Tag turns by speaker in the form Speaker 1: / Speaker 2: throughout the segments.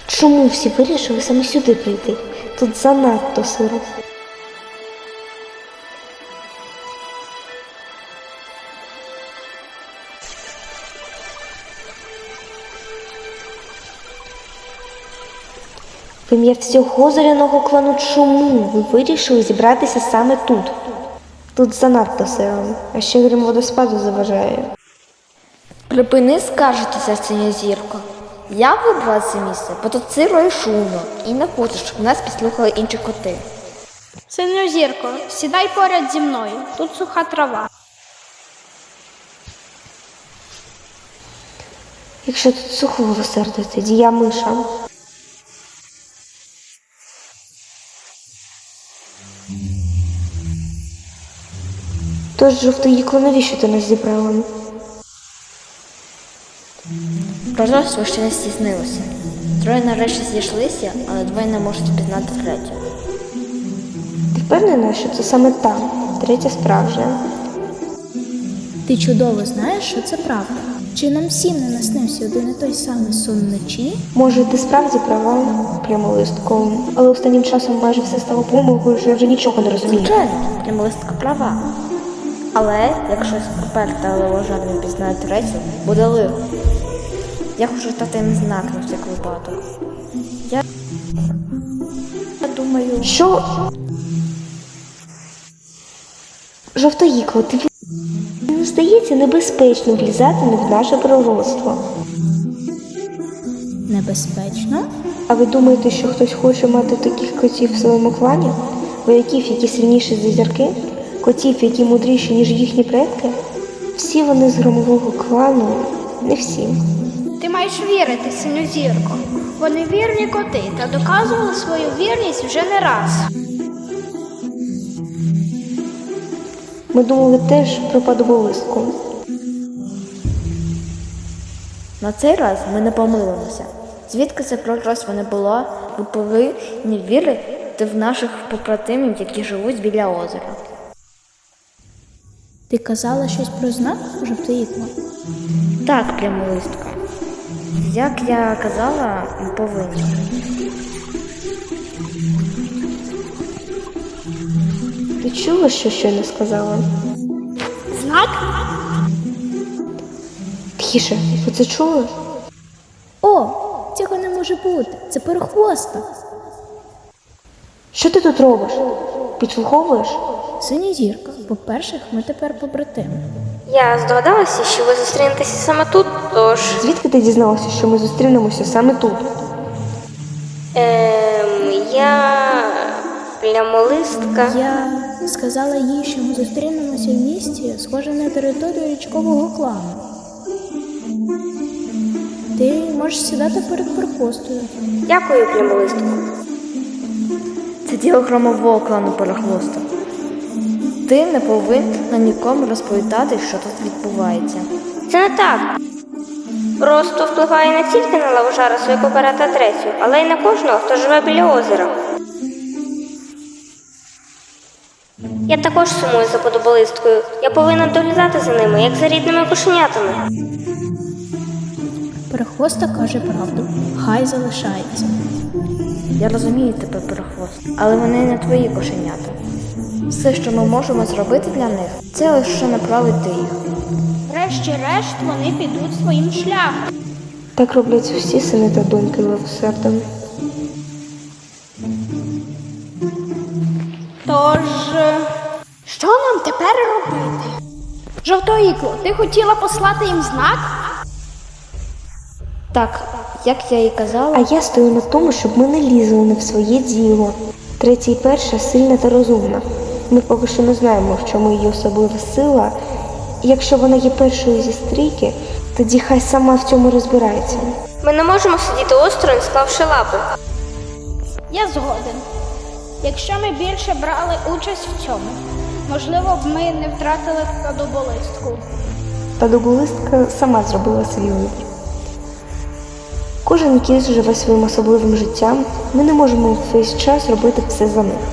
Speaker 1: Чому всі вирішили саме сюди прийти? Тут занадто сиро. В ім'я всього зоряного клану, чому ви вирішили зібратися саме тут? Тут занадто сиро, а ще грім водоспаду заважає.
Speaker 2: Припини скаржитися, синя зірко. Я вибрала це місце, бо тут сиро і шумно, і не хочу, щоб нас підслухали інші коти.
Speaker 3: Синьозірко, сідай поряд зі мною, тут суха трава.
Speaker 1: Якщо тут сухо милосердя, тоді я миша. Тож, жовтоїкло, навіщо ти нас зібрала?
Speaker 2: Прозорство ще не стіснилося. Троє нарешті зійшлися, але двоє не можуть впізнати третю.
Speaker 1: Ти впевнена, що це саме та, третя справжня?
Speaker 4: Ти чудово знаєш, що це правда. Чи нам всім не наснився один і той самий сон вночі?
Speaker 1: Може, ти справді права, прямолистко, але останнім часом майже все стало помилкою, що я вже нічого не розумію.
Speaker 2: Звичайно, прямолистка права. Але якщо сперта левожар не пізнає третю, буде лихо. Я хочу дати їм знак на всяк випадок. Я думаю...
Speaker 1: Що? Жовтоїкло, тобі не здається небезпечно влізати не в наше пророцтво?
Speaker 4: Небезпечно?
Speaker 1: А ви думаєте, що хтось хоче мати таких котів в своєму клані? Вояків, які сильніші за зірки? Котів, які мудріші, ніж їхні предки? Всі вони з громового клану, не всі.
Speaker 3: Ти маєш вірити, Синьозірко. Вони вірні коти та доказували свою вірність вже не раз.
Speaker 1: Ми думали теж про падоболистку.
Speaker 2: На цей раз ми не помилимося. Звідки це пророцтво не було, ви повинні вірити в наших побратимів, які живуть біля озера.
Speaker 4: Ти казала щось про знак, жовтоїкло?
Speaker 2: Так, прямолистка. Як я казала, ми повинні.
Speaker 1: Ти чула, що щойно сказала?
Speaker 3: Знак?
Speaker 1: Тихіше, ви це чули?
Speaker 4: О, цього не може бути. Це перехвоста.
Speaker 1: Що ти тут робиш? Підслуховуєш?
Speaker 4: Синя зірка. По-перше, ми тепер побратими.
Speaker 5: Я здогадалася, що ви зустрінетеся саме тут, тож...
Speaker 1: Звідки ти дізналася, що ми зустрінемося саме тут?
Speaker 5: Я... прямолистка.
Speaker 4: Я сказала їй, що ми зустрінемося в місті, схоже на територію річкового клану. Ти можеш сідати перед перехвостою.
Speaker 5: Дякую, прямолистку.
Speaker 2: Це діло громового клану Перехвоста. Ти не повинна нікому розповідати, що тут відбувається.
Speaker 5: Це не так. Просто впливає не тільки на лавожара Свекопера та третю, але й на кожного, хто живе біля озера. Я також сумую за подоболисткою. Я повинна доглядати за ними, як за рідними кошенятами.
Speaker 4: Перехвоста каже правду. Хай залишається.
Speaker 2: Я розумію тебе, Перехвост, але вони не твої кошенята. Все, що ми можемо зробити для них, це лише направити їх.
Speaker 3: Врешті-решт вони підуть своїм шляхом.
Speaker 1: Так роблять всі сини та доньки левосердом.
Speaker 3: Тож, що нам тепер робити? Жовтоїкло, ти хотіла послати їм знак?
Speaker 2: Так, як я і казала,
Speaker 1: А я стою на тому, щоб ми не лізли не в своє діло. Третя і перша сильна та розумна. Ми поки що не знаємо, в чому її особлива сила. І якщо вона є першою зі стрійки, тоді хай сама в цьому розбирається.
Speaker 5: Ми не можемо сидіти осторонь, склавши лапи.
Speaker 3: Я згоден. Якщо ми більше брали участь в цьому, можливо б ми не втратили подоболистку.
Speaker 1: Падоболистка сама зробила свій вибір. Кожен кіт живе своїм особливим життям, ми не можемо весь час робити все за них.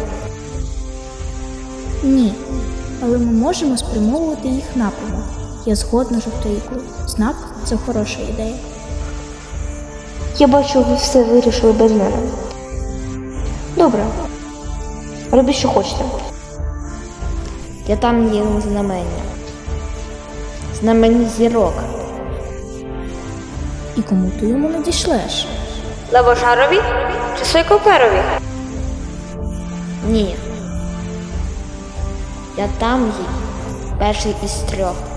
Speaker 4: Ні. Але ми можемо спрямовувати їх напрямок. Я згодна, жовтоїкло. Знак – це хороша ідея.
Speaker 1: Я бачу, ви все вирішили без мене. Добре. Робіть, що хочете.
Speaker 2: Я там є знамення. Знамення зірок.
Speaker 4: І кому ти йому надішлеш?
Speaker 5: Лавожарові чи Сойкоперові?
Speaker 2: Ні. Я там їй перший із 3.